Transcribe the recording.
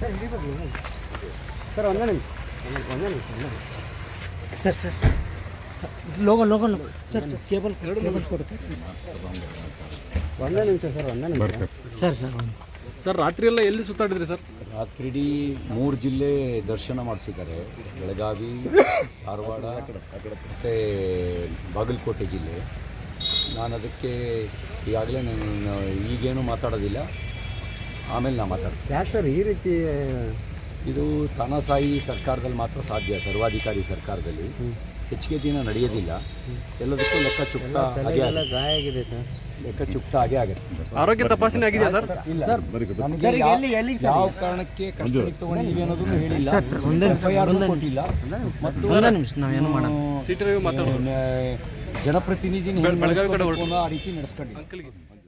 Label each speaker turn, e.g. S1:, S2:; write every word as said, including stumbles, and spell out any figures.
S1: Sir ಒಂದೇ ನಿಮಿಷ ಒಂದೇ ನಿಮಿಷ
S2: sir sir logo logo sir sir cable cable ಕೊಡುತ್ತೆ
S1: ಒಂದೇ ನಿಮಿಷ ಸರ್ ಒಂದೇ ನಿಮಿಷ
S2: ಸರ್ ಸರ್
S3: ಸರ್ ರಾತ್ರಿ ಎಲ್ಲ ಎಲ್ಲಿ ಸುತ್ತಾಡಿದ್ರಿ ಸರ್?
S4: ರಾತ್ರಿಡೀ ಮೂರು ಜಿಲ್ಲೆ ದರ್ಶನ ಮಾಡಿಸಿದ್ದಾರೆ. ಬೆಳಗಾವಿ, ಧಾರವಾಡ ಮತ್ತು ಬಾಗಲಕೋಟೆ ಜಿಲ್ಲೆ. ನಾನು ಅದಕ್ಕೆ ಈಗಾಗಲೇ ನಾನು ಈಗೇನು ಮಾತಾಡೋದಿಲ್ಲ, ಆಮೇಲೆ ನಾನು ಮಾತಾಡ್ತೀನಿ.
S1: ಯಾಕೆ ಸರ್ ಈ ರೀತಿ?
S4: ಇದು ತಾನಾಸಾಯಿ ಸರ್ಕಾರದಲ್ಲಿ ಮಾತ್ರ ಸಾಧ್ಯ, ಸರ್ವಾಧಿಕಾರಿ ಸರ್ಕಾರದಲ್ಲಿ ಹೆಚ್ಚಿಗೆ ದಿನ ನಡೆಯೋದಿಲ್ಲ. ಎಲ್ಲದಕ್ಕೂ ಲೆಕ್ಕ ಚುಕ್ತ ಹಾಗೆ
S1: ಗಾಯ ಆಗಿದೆ ಸರ್,
S4: ಲೆಕ್ಕ ಚುಕ್ತ ಹಾಗೆ ಆಗುತ್ತೆ.
S3: ಆರೋಗ್ಯ ತಪಾಸಣೆ ಆಗಿದೆಯಾ ಸರ್?
S4: ಇಲ್ಲ, ನಮಗೆ ಯಾವ ಕಾರಣಕ್ಕೆ ಕಸ್ಟಡಿಗೆ ತಗೊಂಡಿದ್ದೀವಿ ಅನ್ನೋದನ್ನು ಹೇಳಿಲ್ಲ, ಎಫ್ ಐ ಆರ್ ಕೊಟ್ಟಿಲ್ಲ. ಮತ್ತು
S3: ಸಿಟಿ ರವಿ ಮಾತಾಡೋದು
S4: ಜನಪ್ರತಿನಿಧಿನ
S3: ಬೆಳಗಾವಿ ಕಡೆ
S4: ಆ ರೀತಿ ನಡೆಸ್ಕೊಂಡಿಲ್ಲ.